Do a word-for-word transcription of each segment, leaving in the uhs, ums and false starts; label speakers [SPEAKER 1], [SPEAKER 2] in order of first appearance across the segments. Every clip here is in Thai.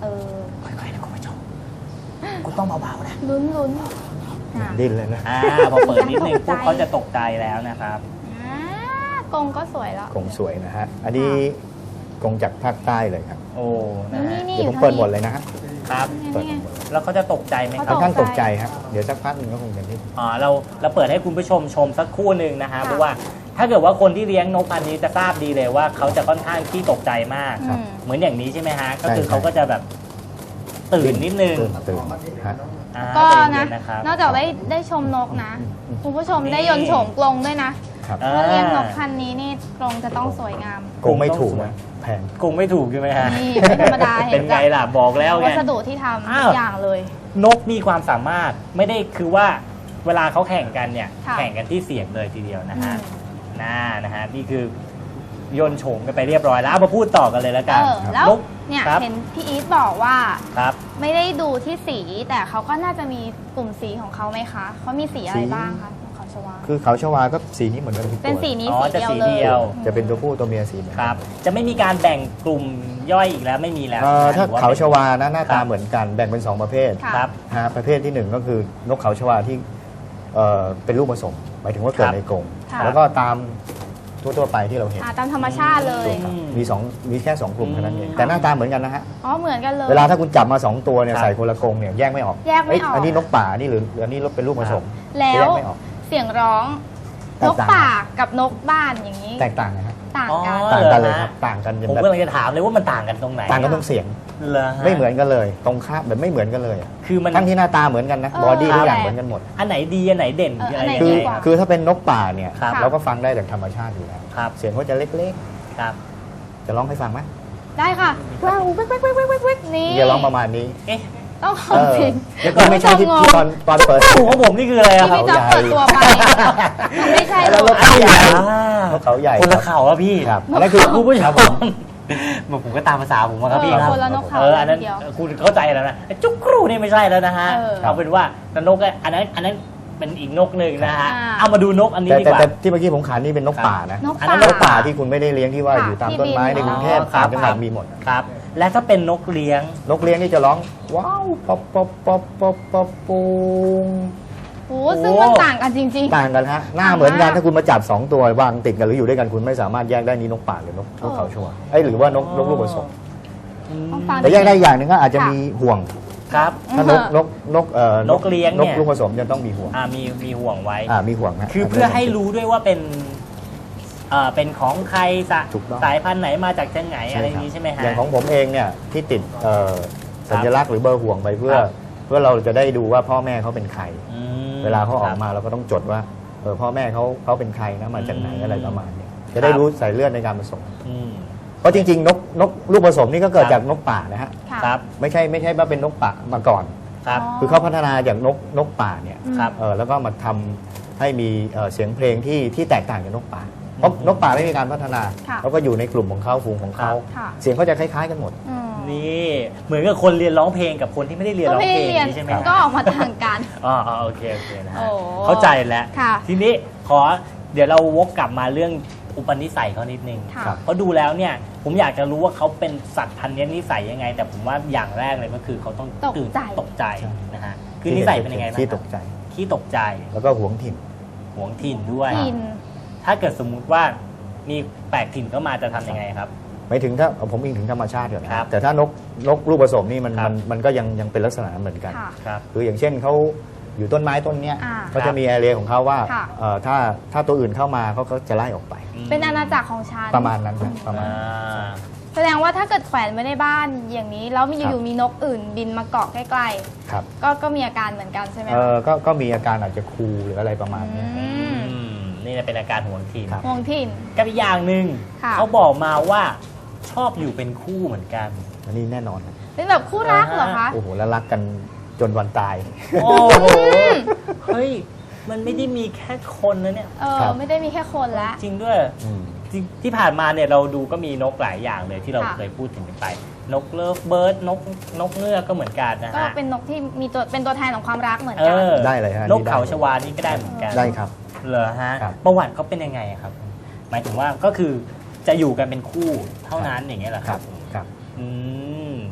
[SPEAKER 1] ออ
[SPEAKER 2] ค่อยๆนะคุณผู้ชมคุณต้องเบาๆนะ
[SPEAKER 1] ลุ้นลุ้น
[SPEAKER 3] ดิ้นเลยนะ
[SPEAKER 2] อ่าพอเปิดนิดนึงพวกเขาจะตกใจแล้วนะครับ
[SPEAKER 1] กรงก็สวยแล้ว
[SPEAKER 3] กรงสวยนะฮะอันนี้กรงจากภาคใต้เลยครับ
[SPEAKER 2] โอ้นะฮะ
[SPEAKER 3] เดี๋ยวผมเปิดหมดเลยนะฮะ
[SPEAKER 2] ครับแล้วเขาจะตกใจไหมครับ
[SPEAKER 3] ค่อนข้างตกใจครับเดี๋ยวสักพักหนึ่งก็คงจะนิ่ง
[SPEAKER 2] อ๋อเราเราเปิดให้คุณผู้ชมชมสักครู่หนึ่งนะฮะเพราะว่าถ้าเกิดว่าคนที่เลี้ยงนกพันธุ์นี้จะทราบดีเลยว่าเขาจะค่อนข้างที่ตกใจมากเหมือนอย่างนี้ใช่ไหมฮะก็คือเขาก็จะแบบตื่นนิดนึง
[SPEAKER 3] ตื่นฮะ
[SPEAKER 1] ก็นะนอกจากได้ได้ชมนกนะคุณผู้ชมได้ยนต์โฉมกรงด้วยนะถ้าเลี้ยงนกพันธุ์นี้นี่กรงจะต้องสวยงาม
[SPEAKER 3] กรงไม่ถูกนะแพง
[SPEAKER 2] กรงไม่ถูกใช่ไหมฮะ
[SPEAKER 1] นี่เป็นธรรมดาเห็น
[SPEAKER 2] เป็นไงล่ะบอกแล้วไง
[SPEAKER 1] วัสดุที่ทำทุกอย่างเลย
[SPEAKER 2] นกมีความสามารถไม่ได้คือว่าเวลาเขาแข่งกันเนี่ยแข่งกันที่เสียงเลยทีเดียวนะฮะน่านะฮะนี่คือโยนโฉมกันไปเรียบร้อยแล้วเอามาพูดต่อกันเลยแล้วกัน
[SPEAKER 1] แล้วเนี่ยเห็นพี่อีทบอกว่าไม่ได้ดูที่สีแต่เขาก็น่าจะมีกลุ่มสีของเขาไหมคะเขามีสีอะไรบ้างคะเขาชวา
[SPEAKER 3] คือเขาชวาก็สีนี้เหมือนกันทุกตัว
[SPEAKER 1] เป็นสีนี้สีเดียวเลย
[SPEAKER 3] จะเป็นตัวผู้ตัวเมียสี
[SPEAKER 2] ครับจะไม่มีการแบ่งกลุ่มย่อยอีกแล้วไม่มีแล้ว
[SPEAKER 3] ถ้าเขาชวานะหน้าตาเหมือนกันแบ่งเป็นสองประเภท
[SPEAKER 2] ครับ
[SPEAKER 3] ฮะประเภทที่หนึ่งก็คือนกเขาชวาที่เป็นลูกผสมหมายถึงว่าเกิดในกรงแล้วก็ตามทั่วๆไปที่เราเห็น
[SPEAKER 1] ตามธรรมชาติเลย
[SPEAKER 3] มีสองมีแค่สองกลุ่มเท่านั้นเองแต่หน้าตาเหมือนกันนะฮะ
[SPEAKER 1] อ๋อเหมือนกันเลย
[SPEAKER 3] เวลาถ้าคุณจับมาสองตัวเนี่ยใส่คนละกรงเนี่ยแยกไม่ออก
[SPEAKER 1] แยกไม่ออก
[SPEAKER 3] อันนี้นกป่านี่หรืออันนี้เป็นลูกผสม
[SPEAKER 1] แล้วเสียงร้องนกป่ากับนกบ้านอย่างนี้
[SPEAKER 3] แตกต่างนะครับ
[SPEAKER 1] ต่างกัน
[SPEAKER 3] ต่างกันเลยครับต่างกัน
[SPEAKER 2] ผมก็เลยจะถามเลยว่ามันต่างกันตรงไหน
[SPEAKER 3] ต่างกันตรงเสียงไม่เหมือนกันเลยตรงข้ามแบบไม่เหมือนกันเลย
[SPEAKER 2] คือมัน
[SPEAKER 3] ทั้งที่หน้าตาเหมือนกันนะบอดี้ทุกอย่างเหมือนกันหมด
[SPEAKER 2] อันไหนดีอันไหนเด่น
[SPEAKER 1] อะไร
[SPEAKER 3] คือคือถ้าเป็นนกป่าเนี่ยเราก็ฟังได้จากธรรมชาติอยู่แล้วเสียงเขาจะเล็ก
[SPEAKER 2] ๆครับ
[SPEAKER 3] จะร้องให้ฟังไหม
[SPEAKER 1] ได้ค่ะว้าวเว้ยเว้ยเว้ยเว้ยเว้ยนี่
[SPEAKER 3] จะร้องประมาณนี้
[SPEAKER 2] เอ๊ะ
[SPEAKER 1] ต้องขอจริง
[SPEAKER 3] แล้วก็ไม่ใช่ที่ตอนตอนเปิด
[SPEAKER 2] หูของผมนี่คืออะไรครับ
[SPEAKER 1] ที่พี่จะเปิดตัวไปไม่ใช่
[SPEAKER 3] แล้วนกเขาใหญ่นกเขาใหญ่
[SPEAKER 2] คนละเขาอะพี่
[SPEAKER 3] ครับอันนั้นคือ
[SPEAKER 2] ผู้ผู้ชายผมผมก็ตามภาษาผมครับพี่ครับเอออันนั้นคุณเข้าใจแล้วนะจุกครูนี่ไม่ใช่แล้วนะฮะเอาเป็นว่านกอันนั้นอันนั้นเป็นอีกนกหนึ่งนะฮะเอามาดูนกอันนี้ดีกว่า
[SPEAKER 3] แต่ที่เมื่อกี้ผมขานนี่เป็นนกป่านะอันนั้นนกป่าที่คุณไม่ได้เลี้ยงที่ว่าอยู่ตามต้นไม้ในกรุงเทพตามจังหวัดมีหมด
[SPEAKER 2] ครับและถ้าเป็นนกเลี้ยง
[SPEAKER 3] นกเลี้ยงนี่จะร้องว้าวป๊อปป๊อปป๊อปป๊อปป๊อปปูง
[SPEAKER 1] โอ้ซึ่งมันต่างกันจริง
[SPEAKER 3] ๆต่างกันฮะหน้าเหมือนกันถ้าคุณมาจับสองตัววางติดกันหรืออยู่ด้วยกันคุณไม่สามารถแยกได้นี่นกป่าหรือนกนกเขาชวาไอ้หรือว่านกนกลูกผสมแต่แยกได้อย่างหนึ่งก็อาจจะมีห่วง
[SPEAKER 2] ครับ
[SPEAKER 3] ถ้านกนกนกเอ่อน
[SPEAKER 2] กเลี้ยงเนี่ย
[SPEAKER 3] นกลูกผสมจะต้องมีห่วง
[SPEAKER 2] อ่ามีมีห่วงไว้
[SPEAKER 3] อ่ามีห่วงฮะ
[SPEAKER 2] คือเพื่อให้รู้ด้วยว่าเป็นเอ่อเป็นของใครสายพันธุ์ไหนมาจากจังไหนอะไรนี้ใช่ไหมฮะ
[SPEAKER 3] อย่างของผมเองเนี่ยที่ติดเอ่อสัญลักษณ์หรือเบอร์ห่วงไปเพื่อเพื่อเราจะได้ดูว่าพ่อแม่เขาเป็นใครเวลาเขาออกมาเราก็ต้องจดว่าเออพ่อแม่เขาเขาเป็นใครนะมาจากไหนอะไรประมาณนี้จะได้รู้สายเลือดในการผสมเพราะจริงๆนกนกลูกผสมนี่ก็เกิดจากนกป่านะฮะ
[SPEAKER 2] ครับ
[SPEAKER 3] ไม่ใช่ไม่ใช่ว่าเป็นนกป่ามาก่อน
[SPEAKER 2] ครับ
[SPEAKER 3] คือเขาพัฒนาจากนกนกป่าเนี่ย
[SPEAKER 2] ครับ
[SPEAKER 3] เออแล้วก็มาทำให้มีเสียงเพลงที่ที่แตกต่างจากนกป่าเพราะนกป่าไม่มีการพัฒนาเขาก็อยู่ในกลุ่มของเขาฝูงของเขาเสียงเขาจะคล้ายๆกันหมด
[SPEAKER 2] นี่เหมือนกับคนเรียนร้องเพลงกับคนที่ไม่ได้เรียนร้องเพลงใช่ไหม
[SPEAKER 1] ก็ออกมาต่างกัน
[SPEAKER 2] อ๋อโอเคโอเคนะฮะเข้าใจแล้วทีนี้ขอเดี๋ยวเราวกกลับมาเรื่องอุปนิสัยเขานิดนึงเพราะดูแล้วเนี่ยผมอยากจะรู้ว่าเขาเป็นสัตว์พันธุ์นี้นิสัยยังไงแต่ผมว่าอย่างแรกเลยก็คือเขาต้องตื่นตกใจนะฮะคือนิสัยเป็นยังไงบ้าง
[SPEAKER 3] ขี้ตกใจ
[SPEAKER 2] ขี้ตกใจ
[SPEAKER 3] แล้วก็หวงถิ่น
[SPEAKER 2] หวงถิ่นด้วยถ้าเกิดสมมุติว่ามีแปลกถิ่นเข้ามาจะทำยังไงครับ
[SPEAKER 3] ไม่ถึงถ้าผมอิงถึงธรรมชาติก่อนแต่ถ้านกนกลูกผสมนี่มันมันมันก็ยังยังเป็นลักษณะเหมือนกันคืออย่างเช่นเขาอยู่ต้นไม้ต้นเนี้ยเขาจะมีแอเรียของเขาว่าถ้าถ้าตัวอื่นเข้ามาเขาก็จะไล่ออกไป
[SPEAKER 1] เป็นอาณาจักรของฉัน
[SPEAKER 3] ประมาณนั้นนะประมาณ
[SPEAKER 1] แสดงว่าถ้าเกิดแขวนไว้ในบ้านอย่างนี้แล้วมีอยู่มีนกอื่นบินมาเกาะใกล้ๆก็ก็มีอาการเหมือนกันใช่ไหม
[SPEAKER 3] เออก็ก็มีอาการอาจจะคูหรืออะไรประมาณนี้
[SPEAKER 2] นี่เป็นอาการห่วงถิ่น
[SPEAKER 1] ห่วงถิ่น
[SPEAKER 2] กับอีกอย่างหนึ่งเขาบอกมาว่าชอบอยู่เป็นคู่เหมือนกัน
[SPEAKER 3] อันนี้แน่นอน
[SPEAKER 1] เป็นแบบคู่รักเหรอคะ
[SPEAKER 3] โอ้โหแล้วรักกันจนวันตาย
[SPEAKER 2] โอ้โหเฮ้ยมันไม่ได้มีแค่คนนะเนี่ย
[SPEAKER 1] เออไม่ได้มีแค่คนละ
[SPEAKER 2] จริงด้วยที่ผ่านมาเนี่ยเราดูก็มีนกหลายอย่างเลยที่เราเคยพูดถึงไปนกเลิฟเบิร์ดนกนกเงือกก็เหมือนกันนะฮะ
[SPEAKER 1] ก็เป็นนกที่มีตัวเป็นตัวแทนของความรักเหมือนกัน
[SPEAKER 3] ได้เลยฮะ
[SPEAKER 2] นกเขาชวานี่ก็ได้เหมือนกัน
[SPEAKER 3] ได้ครับ
[SPEAKER 2] เหรอฮะประวัติเขาเป็นยังไงครับหมายถึงว่าก็คือจะอยู่กันเป็นคู่เท่านั้นอย่างเงี้ยเหรอครับ
[SPEAKER 3] ครับ
[SPEAKER 2] อืม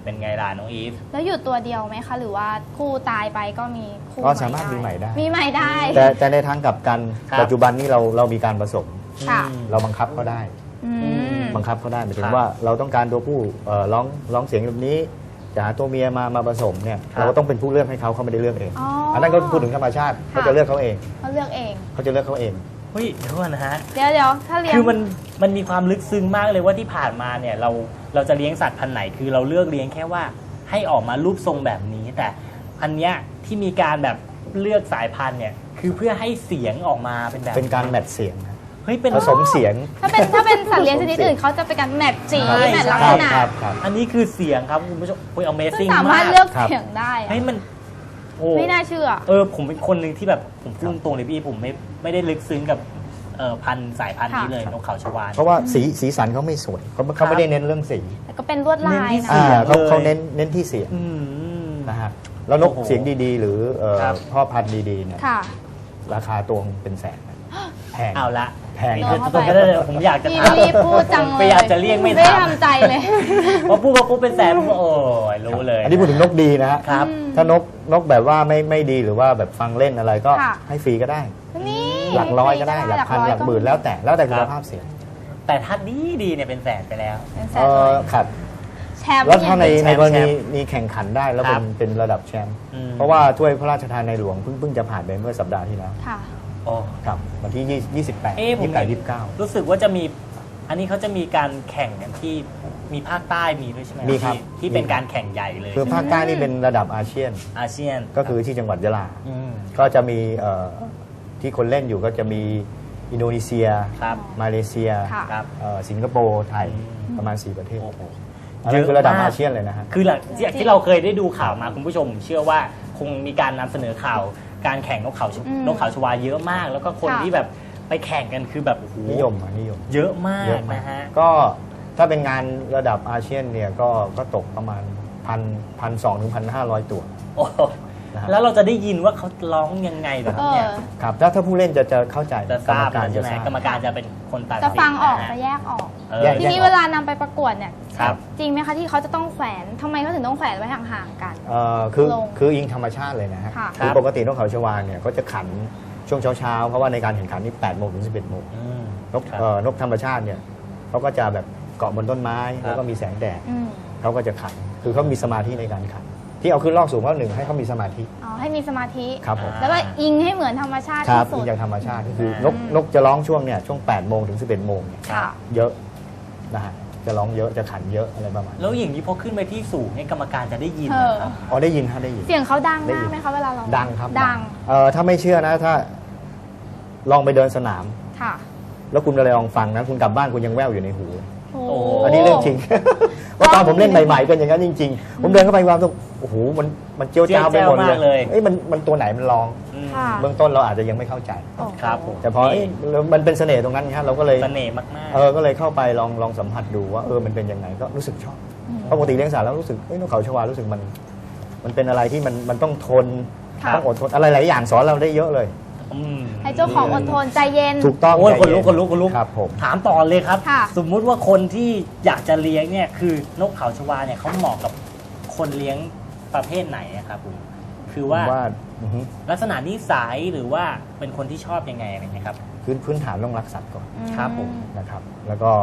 [SPEAKER 2] เป็นไงล่ะน้องอีฟ
[SPEAKER 1] แล้วอยู่ตัวเดียวไหมคะหรือว่าคู่ตายไปก็มีคู่
[SPEAKER 3] ก็สามารถมีใหม่ได้
[SPEAKER 1] มีใหม่ได้
[SPEAKER 3] แต่แต่ในทางกลับกันปัจจุบันนี้เราเรามีการผสมเราบังคับก็ได้บังคับก็ได้หมายถึงว่าเราต้องการตัวผู้ร้องร้องเสียงแบบนี้จะหาตัวเมียมามาผสมเนี่ยเราก็ต้องเป็นผู้เลือกให้เขาเขาไม่ได้เลือกเองอันนั้นก็พูดถึงธรรมชาติเขาจะเลือกเขาเอง
[SPEAKER 1] เขาเลือกเอง
[SPEAKER 3] เขาจะเลือกเขาเอง
[SPEAKER 2] เฮ้ยเดี๋ยวก่อนนะฮะ
[SPEAKER 1] เดี๋ยวเดี๋ยวถ้าเลี้ยง
[SPEAKER 2] คือมันมันมีความลึกซึ้งมากเลยว่าที่ผ่านมาเนี่ยเราเราจะเลี้ยงสัตว์พันธุ์ไหนคือเราเลือกเลี้ยงแค่ว่าให้ออกมารูปทรงแบบนี้แต่อันเนี้ยที่มีการแบบเลือกสายพันธุ์เนี่ยคือเพื่อให้เสียงออกมาเป็นแบบ
[SPEAKER 3] เป็นการแมทเสียง
[SPEAKER 2] เฮ้ยเป็น
[SPEAKER 3] ผสมเสียง
[SPEAKER 1] ถ้าเป็นถ้าเป็นสัตว์เลี้ยงชนิดอื่นเขาจะเป็นการแมทสีแมทลักษณะ
[SPEAKER 2] อันนี้คือเสียงครับคุณผู้ชมโอ้ย Amazing มาก
[SPEAKER 1] สามารถเลือกเสียงได้
[SPEAKER 2] เฮ้ยมัน
[SPEAKER 1] ไม่น่าเชื่อ
[SPEAKER 2] เออผมเป็นคนหนึ่งที่แบบผมพูดตรงเลยพี่ผมไม่ไม่ได้ลึกซึ้งกับพันธุ์สายพันธุ์นี้เลยนกเขาชวา
[SPEAKER 3] เพราะว่าสีสีสันเขาไม่สวยเขาเขาไม่ได้เน้นเรื่องสี
[SPEAKER 1] แต่ก็เป็นลวดลายนะ
[SPEAKER 3] เขาเขาเน้นเน้นที่เสียงนะฮะแล้วนกเสียงดีๆหรือพ่อพันธุ์ดีๆเนี่ยราคาตัวเป็นแสนแพง
[SPEAKER 2] เอาละ
[SPEAKER 3] แพง
[SPEAKER 2] คือตรงนั้นเลยผมอยากจะถาม
[SPEAKER 1] พูดจังเลย
[SPEAKER 2] ไม่อยากจะเรียกไม่
[SPEAKER 1] ไม่ทำใจเลย
[SPEAKER 2] พอพูดพอพูดเป็นแสนโอ้ยรู้เลย
[SPEAKER 3] อันนี้พูดถึงนกดีนะฮะถ้านกนกแบบว่าไม่ไม่ดีหรือว่าแบบฟังเล่นอะไรก็ให้ฟรีก็ได้หลักร้อยก็ได้หลักพันหลักหมื่นแล้วแต่แล้วแต่คุณภาพเสียง
[SPEAKER 2] แต่ถ้าดีดีเนี่ยเป็นแสนไปแล้ว
[SPEAKER 3] เออครับแล้วถ้าในในกรณีมีแข่งขันได้แล้วเป็นเป็นระดับแชมป์เพราะว่าถ้วยพระราชทานในหลวงเพิ่งเพิ่งจะผ่านไปเมื่อสัปดาห์ที่แล้ว
[SPEAKER 2] โอ้
[SPEAKER 3] ครับวันที่ยี่สิบแปด
[SPEAKER 2] ยี่สิบแปด ยี่สิบเก้ารู้สึกว่าจะมีอันนี้เขาจะมีการแข่งกันที่มีภาคใต้มีด้วยใช่ไหม
[SPEAKER 3] มีครับ
[SPEAKER 2] ที่เป็นการแข่งใหญ่เลย
[SPEAKER 3] คือภาคใต้นี่เป็นระดับอาเซียน
[SPEAKER 2] อาเซียน
[SPEAKER 3] ก็คือที่จังหวัดยะลาก็จะมีที่คนเล่นอยู่ก็จะมีอินโดนีเซียมาเลเซียสิงคโปร์ไทยประมาณสี่ประเทศอันนี้คือระดับอาเซียนเลยนะฮะ
[SPEAKER 2] คือหลังจากที่เราเคยได้ดูข่าวมาคุณผู้ชมเชื่อว่าคงมีการนำเสนอข่าวการแข่งนกเขานกเขาชวาเยอะมากแล้วก็คนที่แบบไปแข่งกันคือแบบโอ้โห
[SPEAKER 3] นิยมนิยม
[SPEAKER 2] เยอะมากนะฮะ
[SPEAKER 3] ก็ถ้าเป็นงานระดับอาเซียนเนี่ยก็ก็ตกประมาณพันพันสองถึงพันห้าร้อยตัว
[SPEAKER 2] แล้วเราจะได้ยินว่าเขาร้องยังไงแบบนี้
[SPEAKER 3] ครับถ้าถ้าผู้เล่นจะจะเข้าใจ
[SPEAKER 2] จะทราบใช่ไหมกรรมการจะเป็นคนตัดสิน
[SPEAKER 1] จะฟังออกจะแยกออกทีนี้เวลานำไปประกวดเนี่ยจริงไหมคะที่เขาจะต้องแขวนทำไมเขาถึงต้องแขวนไว้ห่างๆกัน
[SPEAKER 3] คือคืออิงธรรมชาติเลยนะฮะคือปกตินกเขาชวาเนี่ยเขาจะขันช่วงเช้าๆเพราะว่าในการแข่งขันนี่แปดโมงถึงสิบเอ็ดโมงนกนกธรรมชาติเนี่ยเขาก็จะแบบเกาะบนต้นไม้แล้วก็มีแสงแดดเขาก็จะขันคือเขามีสมาธิในการขันที่เอาขึ้นลอกสูงเพราะหนึ่งให้เขามีสมาธิ
[SPEAKER 1] อ๋อให้มีสมาธิ
[SPEAKER 3] ครับผม
[SPEAKER 1] แล้วก็อิงให้เหมือนธรรมชาติ
[SPEAKER 3] ที่สุดอิงจากธรรมชาติก็คือนกนกจะร้องช่วงเนี่ยช่วงแปดโมงถึงสิบเอ็ดโมงเนี่ยเยอะนะฮะจะร้องเยอะจะขันเยอะอะไรประมาณ
[SPEAKER 2] แล้วอย่างนี้พอขึ้นไปที่สูงให้กรรมการจะได้ยินครับ
[SPEAKER 3] อ๋อได้ยินฮะได้ยิน
[SPEAKER 1] เสียงเขาดังมากไหมคะเวลาร้อง
[SPEAKER 3] ดังครับ
[SPEAKER 1] ดัง
[SPEAKER 3] เอ่อถ้าไม่เชื่อนะถ้าลองไปเดินสนาม
[SPEAKER 1] ค่ะ
[SPEAKER 3] แล้วคุณอะไรลองฟังนะคุณกลับบ้านคุณยังแว่วอยู่ในหูอันนี้เรื่องจริงว่าตอนผมเล่นใหม่ๆเป็นอย่างนั้นจริงๆผมเดินเข้าไปวางตรงโอ้โหมันมันเจียวจ้าวไปหมดเลยเอ้ยมันมันตัวไหนมันร้องเบื้องต้นเราอาจจะยังไม่เข้าใจ
[SPEAKER 2] ครับผม
[SPEAKER 3] แต่พอมันเป็นเสน่ห์ตรงนั้นครับเราก็เลย
[SPEAKER 2] เสน่ห์มากๆ
[SPEAKER 3] เออก็เลยเข้าไปลองลองสัมผัสดูว่าเออมันเป็นยังไงก็รู้สึกชอบปกติเลี้ยงสัตว์แล้วรู้สึกเอ้ยนกเขาชวารู้สึกมันมันเป็นอะไรที่มันมันต้องทนต้องอดทนอะไรหลายอย่างสอนเราได้เยอะเลย
[SPEAKER 1] ให้เจ้าของอดทนใจเย็น
[SPEAKER 3] ถูกต้อง
[SPEAKER 2] คนลุกคนลุกคนลุก
[SPEAKER 3] ครับผม
[SPEAKER 2] ถามต่อเลยครับสมมุติว่าคนที่อยากจะเลี้ยงเนี่ยคือนกเขาชวาเนี่ยเขาเหมาะกับคนเลี้ยงประเภทไหนครับผมคือว่าลักษณะนิสัยหรือว่าเป็นคนที่ชอบยังไงอะไรเงี้ยครับ
[SPEAKER 3] พื้นพื้นฐานต้องรักสัตว์ก่อน
[SPEAKER 2] ครับผม
[SPEAKER 3] นะครับแล้วก็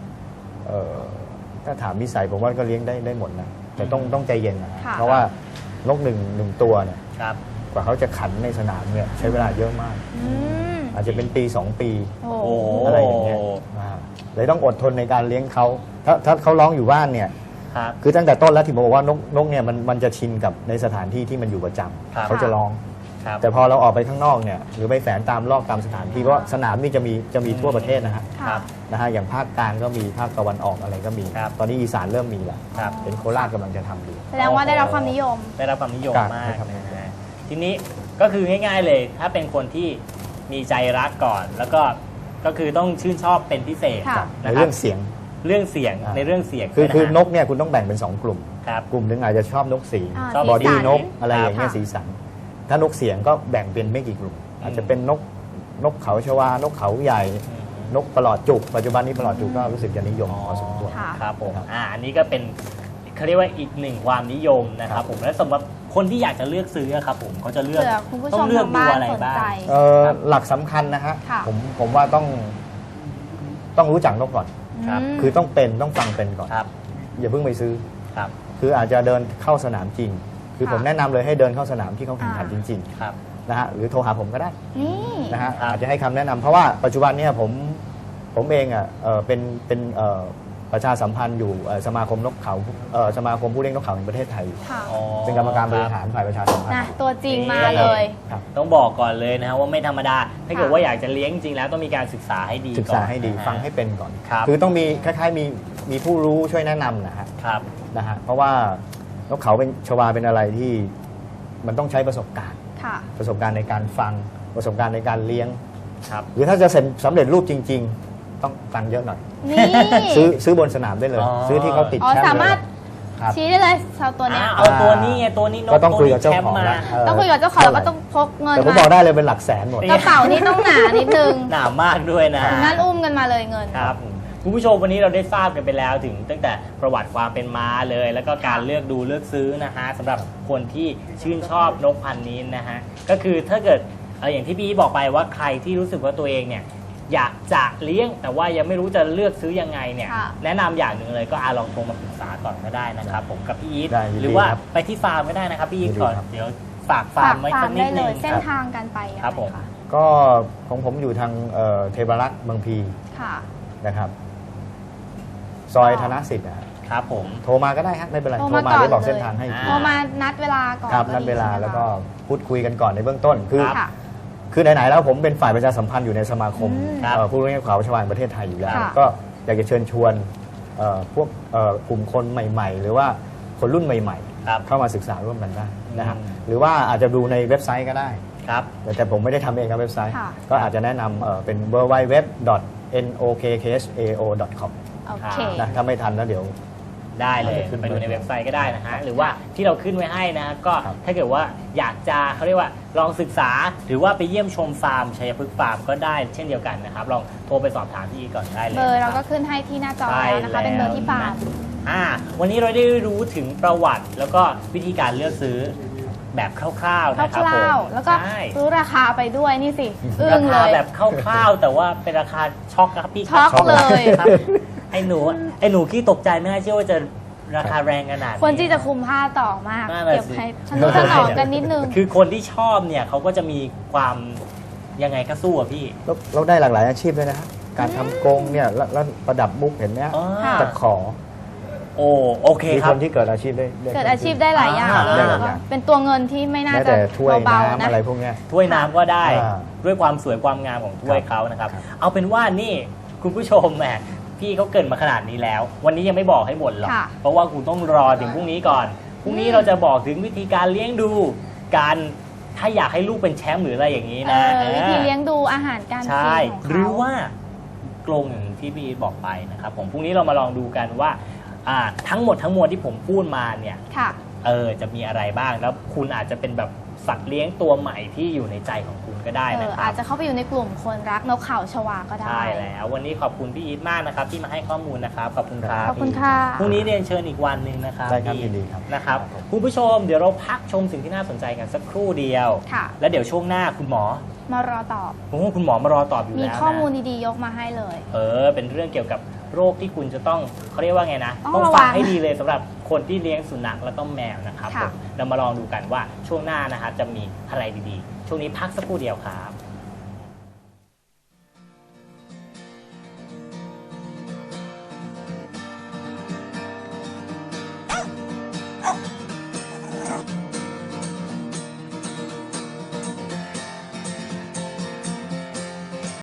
[SPEAKER 3] ถ้าถามนิสัยผมว่าก็เลี้ยงได้ได้หมดนะแต่ต้องต้องใจเย็นนะเพราะว่านกหนึ่งหนึ่งตัวเนี่ยกว่าเขาจะขันในสนามเนี่ยใช้เวลาเยอะมากอาจจะเป็นปีสองปีอะไรอย่างเงี้ยเลยต้องอดทนในการเลี้ยงเขาถ้าถ้าเขาร้องอยู่บ้านเนี่ยคือตั้งแต่ต้นแล้วที่ผมบอกว่านกนกเนี่ยมันมันจะชินกับในสถานที่ที่มันอยู่ประจำเขาจะร้องแต่พอเราออกไปข้างนอกเนี่ยหรือไปแฝงตามรอบตามสถานที่เพราะสนามนี่จะมีจะมีทั่วประเทศนะฮะนะฮะอย่างภาคกลางก็มีภาคตะวันออกอะไรก็มีตอนนี้อีสานเริ่มมีแล้วเป็นโคราชกำลังจะทำอยู่
[SPEAKER 1] แสดงว่าได้รับความนิยม
[SPEAKER 2] ได้รับความนิยมมากนะทีนี้ก็คือง่ายๆเลยถ้าเป็นคนที่มีใจรักก่อนแล้วก็ก็คือต้องชื่นชอบเป็นพิเศษ
[SPEAKER 3] ในเรื่องเสียง
[SPEAKER 2] เรื่องเสียงในเรื่องเสียง
[SPEAKER 3] คือคือนกเนี่ยคุณต้องแบ่งเป็นสองกลุ่มกลุ่มหนึ่งอาจจะชอบนกสีชอบบอดี้นกอะไรอย่างเงี้ยสีสันถ้านกเสียงก็แบ่งเป็นไม่กี่กลุ่มอาจจะเป็นนกนกเขาชวานกเขาใหญ่นกประหลอดจุกปัจจุบันนี้ประหลอดจุกก็รู้สึกจะนิยมพอสมควร
[SPEAKER 2] ครับผมอ่าอันนี้ก็เป็นเขาเรียกว่าอีกหนึ่งความนิยมนะครับผมและสำหรับคนที่อยากจะเลือกซื้อครับผมเขาจะเลือก
[SPEAKER 1] เผื่อคุณผู้ช
[SPEAKER 2] ต้อ
[SPEAKER 1] ม
[SPEAKER 2] งเลือก
[SPEAKER 1] ทาง
[SPEAKER 2] ดู
[SPEAKER 1] บ้าน
[SPEAKER 2] อะไร
[SPEAKER 1] สน
[SPEAKER 2] บ้าง
[SPEAKER 1] ใจ
[SPEAKER 3] เอ่อหลักสำคัญนะฮะ
[SPEAKER 1] ค่ะ
[SPEAKER 3] ผมผมว่าต้องต้องรู้จักนกก่อน
[SPEAKER 2] ครับ
[SPEAKER 1] ม
[SPEAKER 3] คือต้องเป็นต้องฟังเป็นก่อน
[SPEAKER 2] ครับ
[SPEAKER 3] อย่าเพิ่งไปซื้อ
[SPEAKER 2] ครับ
[SPEAKER 3] คืออาจจะเดินเข้าสนามจริง คือ
[SPEAKER 1] ค่ะ
[SPEAKER 3] ผมแนะนำเลยให้เดินเข้าสนามที่เขาแข่งขัน
[SPEAKER 1] อ่า
[SPEAKER 3] จริง
[SPEAKER 2] ครับ
[SPEAKER 3] ๆนะฮะหรือโทรหาผมก็ได้
[SPEAKER 1] นี่
[SPEAKER 3] นะฮะ
[SPEAKER 2] ครับ
[SPEAKER 3] อาจจะให้คำแนะนำเพราะว่าปัจจุบันเนี่ยผมผมเองอ่ะเอ่อเป็นเป็นเอ่อประชาสัมพันธ์อยู่เอ่อสมาคมนกเขาเอ่อสมาคมผู้เลี้ยงนกเขาแห่งประเทศไทย
[SPEAKER 1] ค่ะ
[SPEAKER 2] อ๋อ
[SPEAKER 3] เป็นกรรมการบริหารฝ่ายประชาสัมพันธ์
[SPEAKER 1] นะตัวจริงมาเลย
[SPEAKER 3] ครับ
[SPEAKER 2] ต้องบอกก่อนเลยนะฮะว่าไม่ธรรมดา ถ้าเกิด
[SPEAKER 1] ค่ะ
[SPEAKER 2] ว่าอยากจะเลี้ยงจริงๆแล้วต้องมีการศึกษาให้ดี
[SPEAKER 3] ศึกษาให้ดี
[SPEAKER 2] ก่อนนะฮะ
[SPEAKER 3] ฟังให้เป็นก่อน
[SPEAKER 2] ครับ
[SPEAKER 3] คือต้องมีคล้ายๆมีมีผู้รู้ช่วยแนะนำนะฮะ
[SPEAKER 2] ครับ
[SPEAKER 3] นะฮะเพราะว่านกเขาเป็นชวาเป็นอะไรที่มันต้องใช้ประสบการณ์
[SPEAKER 1] ค่ะ
[SPEAKER 3] ประสบการณ์ในการฟังประสบการณ์ในการเลี้ยง
[SPEAKER 2] ครับ
[SPEAKER 3] หรือถ้าจะเสร็จสำเร็จรูปจริง ๆ ต้องตังค์เยอะหน่อย
[SPEAKER 1] นี่
[SPEAKER 3] ซื้อซื้อบนสนามได้เลย
[SPEAKER 2] อ๋อ
[SPEAKER 3] ซื้อที่เขาติด
[SPEAKER 1] อ๋อ
[SPEAKER 3] แชมป์
[SPEAKER 1] สามารถ
[SPEAKER 3] ครับ
[SPEAKER 1] ชี้ได้เลยชาวตัวเนี้ย
[SPEAKER 2] อ่าเอาตัวนี้ไงตัวนี้นก
[SPEAKER 3] ก็ต้องคุยกับ
[SPEAKER 2] ตัว
[SPEAKER 3] เจ้า
[SPEAKER 2] นี้
[SPEAKER 3] ของ
[SPEAKER 2] แชมป์
[SPEAKER 3] แล้ว
[SPEAKER 2] มา
[SPEAKER 3] เ
[SPEAKER 1] ต้องคุยกับเจ้าของแล้วก็ต้องพกเงิน
[SPEAKER 3] แต่ผม
[SPEAKER 1] มา
[SPEAKER 3] บอกได้เลยเป็นหลักแสนหมด
[SPEAKER 2] นี่
[SPEAKER 1] กระเป๋านี่ต้องหนานิดนึง
[SPEAKER 2] หนามากด้วยนะ
[SPEAKER 1] ถึงนั้นอุ้มกันมาเลยเงิน
[SPEAKER 2] ครับคุณผู้ชมวันนี้เราได้ทราบกันไปแล้วถึงตั้งแต่ประวัติความเป็นมาเลย แล้วก็การเลือกดูเลือกซื้อนะฮะสำหรับคนที่ชื่นชอบนกพันธุ์นี้นะฮะก็คือถ้าเกิดเอ่ออย่างที่พี่บอกไปว่าใครที่รู้สึกว่าตัวเองเนี่ยอยากจะเลี้ยงแต่ว่ายังไม่รู้จะเลือกซื้อยังไงเนี่ย
[SPEAKER 1] ค่ะ
[SPEAKER 2] แนะนำอย่างหนึ่งเลยก็อาลองโทรมาปรึกษาก่อนก็ได้นะครับผมกับพี่อีท
[SPEAKER 3] ได้ยินดี
[SPEAKER 2] หรือว่า
[SPEAKER 3] ครับ
[SPEAKER 2] ไปที่ฟาร์มก็ได้นะครับพี่อีท
[SPEAKER 3] ยินดี
[SPEAKER 2] ก่อน
[SPEAKER 3] ครับ
[SPEAKER 2] เดี๋ยวฝากฟาร์มไว้
[SPEAKER 1] ฝาก
[SPEAKER 2] สั
[SPEAKER 1] ฟาก ร์ม
[SPEAKER 2] นิ
[SPEAKER 1] ได้
[SPEAKER 2] ด
[SPEAKER 1] เล
[SPEAKER 2] นึ
[SPEAKER 1] ย
[SPEAKER 2] ง
[SPEAKER 1] เส้นทางการไปยังไง
[SPEAKER 2] ครับผม
[SPEAKER 1] คะ
[SPEAKER 3] ก็ของผมอยู่ทางเอ่อเทพารักษ์บางพี
[SPEAKER 1] ค่ะ
[SPEAKER 3] นะครับ ซอยธนสิทธิ์นะฮะ
[SPEAKER 2] ครับผม
[SPEAKER 3] โทรมาก็ได้ฮะไม่เป็นไร
[SPEAKER 1] โทร
[SPEAKER 3] โทร
[SPEAKER 1] มา
[SPEAKER 3] มา
[SPEAKER 1] ก่อน
[SPEAKER 3] เดี๋ยวบอก
[SPEAKER 1] เลย
[SPEAKER 3] เส้นทางให้
[SPEAKER 2] อ่า
[SPEAKER 1] โทรมานัดเวลาก่อน
[SPEAKER 3] ครับ
[SPEAKER 1] ก็
[SPEAKER 3] นัด
[SPEAKER 1] ดี
[SPEAKER 3] เวลา
[SPEAKER 1] ใช่ไหม
[SPEAKER 3] แล้วก็
[SPEAKER 1] คะ
[SPEAKER 3] พูดคุยกันก่อนในเบื้องต้น คือ
[SPEAKER 1] ค่ะ
[SPEAKER 3] คือไหนๆแล้วผมเป็นฝ่ายประชาสัมพันธ์อยู่ในสมาคม
[SPEAKER 1] อืม
[SPEAKER 2] ครับ
[SPEAKER 3] เอ่อผู้เลี้ยงนกเขาชาวาแห่งประเทศไทยอยู่แล้ว
[SPEAKER 1] ค่ะ
[SPEAKER 3] ก็อยากจะเชิญชวนเอ่อพวกเอ่อกลุ่มคนใหม่ ๆ หรือว่าคนรุ่นใหม่
[SPEAKER 2] ครับ
[SPEAKER 3] ๆ เข้ามาศึกษาร่วมกันได้นะครับ
[SPEAKER 2] อืม
[SPEAKER 3] หรือว่าอาจจะดูในเว็บไซต์ก็ได้
[SPEAKER 2] ครับ
[SPEAKER 3] แต่แต่ผมไม่ได้ทำเองครับเว็บไซต์
[SPEAKER 1] ค่ะ
[SPEAKER 3] ก็อาจจะแนะนำเอ่อเป็น ดับเบิลยู ดับเบิลยู ดับเบิลยู ดอท เอ็น โอ เค เค เอช เอ โอ ดอท คอม
[SPEAKER 1] โอเค
[SPEAKER 3] นะถ้าไม่ทันแล้วเดี๋ยว
[SPEAKER 2] ได้เลย
[SPEAKER 3] ขึ้น
[SPEAKER 2] ไปดูใน
[SPEAKER 3] ไป
[SPEAKER 2] เว็บไซต์ก็ได้นะฮะหรือว่าที่เราขึ้นไว้ให้นะก็
[SPEAKER 3] ครับ
[SPEAKER 2] ถ้าเกิดว่าอยากจะเขาเรียกว่าลองศึกษา หรือว่าไปเยี่ยมชมฟาร์มชัยพฤกษ์ฟาร์มก็ได้เช่นเดียวกันนะครับลองโทรไปสอบถามพี่อีก่อนได้เลย
[SPEAKER 1] เบอร์เรา
[SPEAKER 2] นะค
[SPEAKER 1] ก็
[SPEAKER 2] บ
[SPEAKER 1] ขึ้นให้ที่หน้าจอ
[SPEAKER 2] ใช่
[SPEAKER 1] แล้วนะคะ เป็นเบอร์ที่ฟาร์ม
[SPEAKER 2] อ่าวันนี้เราได้รู้ถึงประวัติแล้วก็วิธีการเลือกซื้อแบบคร่าวๆ
[SPEAKER 1] ค
[SPEAKER 2] นะครับผม
[SPEAKER 1] ร่าวๆ แล้วก็
[SPEAKER 2] ใช่
[SPEAKER 1] รู้ราคาไปด้วยนี่สิ อึ้
[SPEAKER 2] ราง
[SPEAKER 1] เล
[SPEAKER 2] คาย แบบคร่าวๆแต่ว่าเป็นราคาช็อกนะครับพี่
[SPEAKER 1] ช็อก
[SPEAKER 2] ครับ
[SPEAKER 1] เลย
[SPEAKER 2] ครับไอ้หนูไอ้หนูขี้ตกใจไม่น่าเชื่อว่าจะราคาแรงขนาดนี้
[SPEAKER 1] ควรที่จะคุมผ้าต่อมาก
[SPEAKER 2] นั่นน่ะ
[SPEAKER 1] เก็บ
[SPEAKER 2] สิ
[SPEAKER 1] ให้ทนุถนอมกันนิดนึง
[SPEAKER 2] คือคนที่ชอบเนี่ยเขาก็จะมีความยังไงก็สู้อะพี่
[SPEAKER 3] แล้วเราได้หลากหลายอาชีพเลยนะฮะการทำกรงเนี่ยแล้วแล้วประดับมุกเห็นไหมฮะ
[SPEAKER 2] อ๋อ
[SPEAKER 1] ค่ะ
[SPEAKER 3] ตะขอ
[SPEAKER 2] โอ้โอเค
[SPEAKER 3] มี
[SPEAKER 2] ค
[SPEAKER 3] ครับ นที่เกิดอาชีพได้
[SPEAKER 1] เกิดอาชีพได้หลายอย่าง
[SPEAKER 2] อ่า
[SPEAKER 1] แล้วก็เป็นตัวเงินที่ไม่น่า
[SPEAKER 3] แม้
[SPEAKER 1] จะ
[SPEAKER 3] แต่ถ้วย
[SPEAKER 1] เบาๆ
[SPEAKER 3] น้ำ
[SPEAKER 1] นะ
[SPEAKER 3] อะไรพวกเนี้ย
[SPEAKER 2] ถ้วยน้ำก็ได้
[SPEAKER 3] อ่า
[SPEAKER 2] ด้วยความสวยความงามของถ้วยเขานะครับ
[SPEAKER 3] ครับ
[SPEAKER 2] เอาเป็นว่านี่คุณผู้ชมแหมพี่เขาเกรินมาขนาดนี้แล้ว วันนี้ยังไม่บอกให้หมดหรอก
[SPEAKER 1] ค่ะ
[SPEAKER 2] เพราะว่าคุณต้องรอถึงพรุ่งนี้ก่อนพรุ่งนี้
[SPEAKER 1] อืม
[SPEAKER 2] เราจะบอกถึงวิธีการเลี้ยงดูการถ้าอยากให้ลูกเป็นแชมป์หรืออะไรอย่างนี้
[SPEAKER 1] เอ
[SPEAKER 2] นะ
[SPEAKER 1] อวิธีเลี้ยงดูอาหารการ
[SPEAKER 2] ใช่
[SPEAKER 1] กินของเขา
[SPEAKER 2] หรือว่ากรงอย่างที่พี่อีทบอกไปนะครับผมพรุ่งนี้เรามาลองดูกันว่าอ่าทั้งหมดทั้งมวลที่ผมพูดมาเนี่ย
[SPEAKER 1] ค่ะ
[SPEAKER 2] เออจะมีอะไรบ้างแล้วคุณอาจจะเป็นแบบสัตว์เลี้ยงตัวใหม่ที่อยู่ในใจของคุณก็ได้
[SPEAKER 1] เอ
[SPEAKER 2] นะ
[SPEAKER 1] อ
[SPEAKER 2] ครั
[SPEAKER 1] อา
[SPEAKER 2] บ
[SPEAKER 1] จจะเข้าไปอยู่ในกลุ่มคนรักนกเขาชวาก็ได้
[SPEAKER 2] ใช่แล้ววันนี้ขอบคุณพี่อีทมากนะครับที่มาให้ข้อมูลนะครับขอบคุณครับ
[SPEAKER 1] ขอบคุณค่ะ
[SPEAKER 2] พรุ่งนี้เรียนเชิญอีกวันหนึ่งนะครับ
[SPEAKER 3] ได้ครับ
[SPEAKER 2] พี่
[SPEAKER 3] ยินดีครับ
[SPEAKER 2] นะครับ
[SPEAKER 3] ครับ
[SPEAKER 2] คุณผู้ชมเดี๋ยวเราพักชมสิ่งที่น่าสนใจกันสักครู่เดียว
[SPEAKER 1] ค่ะ
[SPEAKER 2] แล้วเดี๋ยวช่วงหน้าคุณหมอ
[SPEAKER 1] มารอตอบ
[SPEAKER 2] ผมว่าคุณหมอมารอตอบอยู่
[SPEAKER 1] มี
[SPEAKER 2] แล้วนะ
[SPEAKER 1] ข้อมูลดีๆยกมาให้เลย
[SPEAKER 2] เออเป็นเรื่องเกี่ยวกับโรคที่คุณจะต้องเขาเรียกว่าไงนะ
[SPEAKER 1] ต้อง
[SPEAKER 2] ต้อง
[SPEAKER 1] ระวัง
[SPEAKER 2] ฟังให้ดีเลยสำหรับคนที่เลี้ยงสุนัขแล้วก็แมวนะครับ
[SPEAKER 1] ค่ะ
[SPEAKER 2] ผมเรามาลองดูกันว่าช่วงหน้านะครับจะมีอะไรดีๆ ช่วงนี้พักสักครู่เดียวครับ